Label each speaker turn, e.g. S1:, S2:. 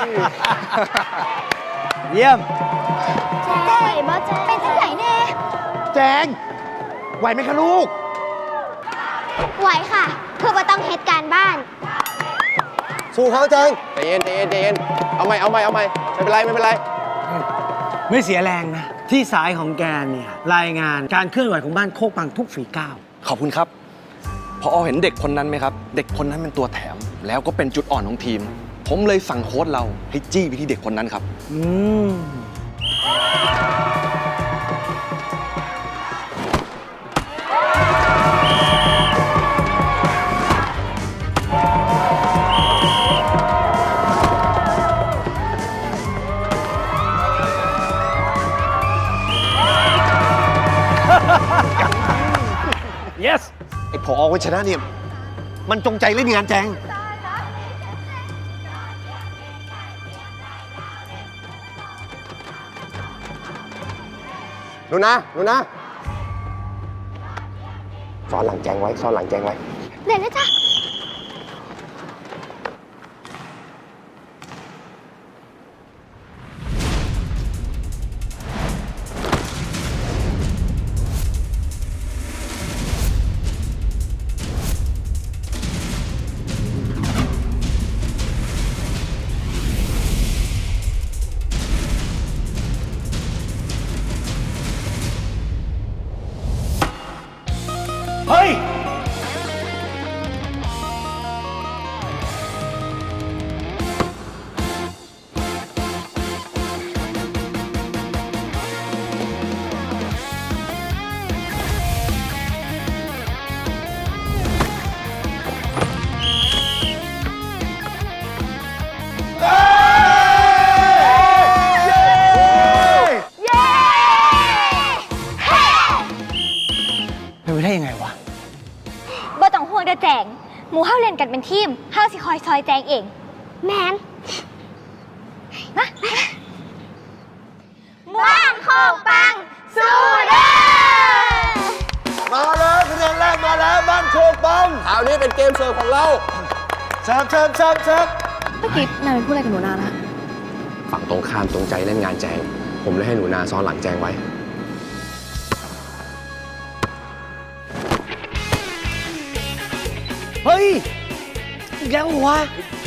S1: เยี่ยม
S2: แจ้งบ่แจ้งเป็นที่ไหนแน่
S3: แจงไหวไหมคะลูก
S2: ไหวค่ะเพื่อว่าต้องเหตุการณ์บ้าน
S3: สู้เขาแจง
S4: ใจเย็นใจเย็นใจเย็นเอาใหม่ไม่เป็นไรไม่เป็นไร
S1: ไม่เสียแรงนะ ที่สายของแกเนี่ย รายงานการเคลื่อนไหวของบ้านโคกปังทุกฝีก้าว
S5: ขอบคุณครับพอเห็นเด็กคนนั้นไหมครับ เด็กคนนั้นเป็นตัวแถม แล้วก็เป็นจุดอ่อนของทีม ผมเลยสั่งโค้ชเราให้จี้ไปที่เด็กคนนั้นครับ
S1: อืม yes
S3: ไอ้ผอวัชนะเนี่ย มันจงใจเล่นงานแจง
S4: หนูนะซ้อนหลังแจงไว้
S2: เดี๋ยวนะจ๊ะ
S1: เฮ้ย
S2: เย้เฮ้
S1: เป็นไปได้ยังไงวะ
S2: บ่ต้องห่วงเด้อแจงหมู่เฮาเล่นกันเป็นทีมเฮาสิคอยซอยแจงเองแมนมาบ้านโคกปังสู้เด้อ
S3: มาแล้วคะแนนแรกมาแล้วบ้านโคกบัง
S4: คราวนี้เป็นเกมเสิร์ฟของเรา
S3: เชิญ
S6: เมื่อกี้นายเป็นพูดอะไรกับหนูนานะ
S4: ฝั่งตรงข้ามตรงใจเล่นงานแจง ผมเลยให้หนูนาซ้อนหลังแจงไว้
S1: เฮ้ยอีกแล้วเหรอวะ